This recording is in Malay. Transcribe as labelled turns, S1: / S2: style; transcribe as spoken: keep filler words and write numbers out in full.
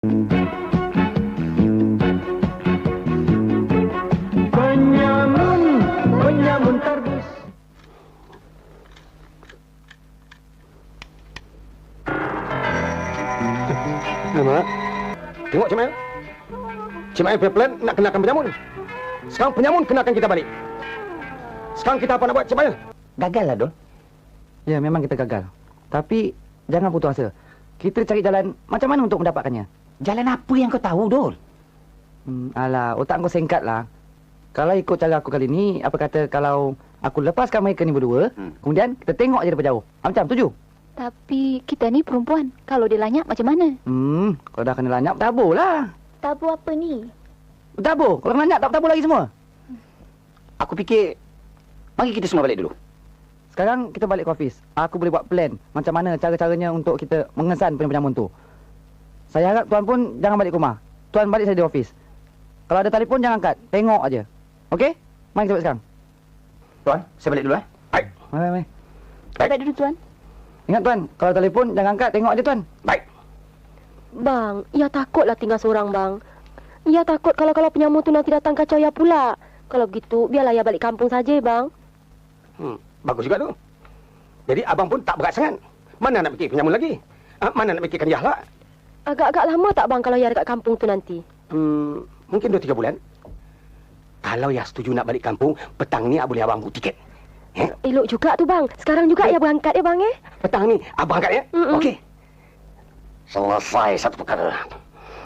S1: Penyamun, penyamun tarbus.
S2: Mak, tengok Cik Mail. Cik Mail punya plan nak kenakan penyamun. Sekarang penyamun kenakan kita balik. Sekarang kita apa nak buat, Cik Mail?
S3: Gagal lah, Dol.
S4: Ya, memang kita gagal. Tapi jangan putus asa. Kita cari jalan macam mana untuk mendapatkannya.
S3: Jalan apa yang kau tahu, Dol?
S4: Hmm, alah, otak kau singkat lah. Kalau ikut cara aku kali ni, apa kata kalau aku lepaskan mereka ni berdua, hmm. kemudian kita tengok je daripada jauh. Ah, macam, setuju?
S5: Tapi kita ni perempuan. Kalau dia lanyap macam mana?
S4: Hmm, kalau dah kena lanyap, tabur lah.
S5: Tabur apa ni?
S4: Tabur. Kalau kena lanyap, tak tabur lagi semua.
S3: Aku fikir, mari kita semua balik dulu.
S4: Sekarang kita balik ke office. Aku boleh buat plan macam mana cara-caranya untuk kita mengesan penyamun tu. Saya harap tuan pun jangan balik ke rumah. Tuan balik saja di office. Kalau ada telefon, jangan angkat. Tengok aja. Okey? Mari kita buat sekarang.
S3: Tuan, saya balik dulu eh.
S2: Baik.
S4: Mari, mari.
S5: Baik dulu, Tuan.
S4: Ingat tuan, kalau telefon jangan angkat. Tengok aja tuan.
S2: Baik.
S6: Bang, ia takutlah tinggal seorang, bang. Ia takut kalau-kalau penyamun tu nanti datang kacau ia pula. Kalau begitu, biarlah ia balik kampung saja, bang.
S2: Hmm, bagus juga tu. Jadi abang pun tak berat sangat. Mana nak fikir penyamun lagi? Ah, mana nak fikirkan Yah lah?
S6: Agak-agak lama tak, bang, kalau ia dekat kampung tu nanti?
S2: Hmm, mungkin dua tiga bulan. Kalau Yah setuju nak balik kampung, petang ni boleh abang buat tiket. Eh?
S6: Elok juga tu, bang. Sekarang juga ia berangkat ya, bang, eh?
S2: Petang ni abang angkat ya?
S6: Mm-mm.
S2: Okey. Selesai satu perkara.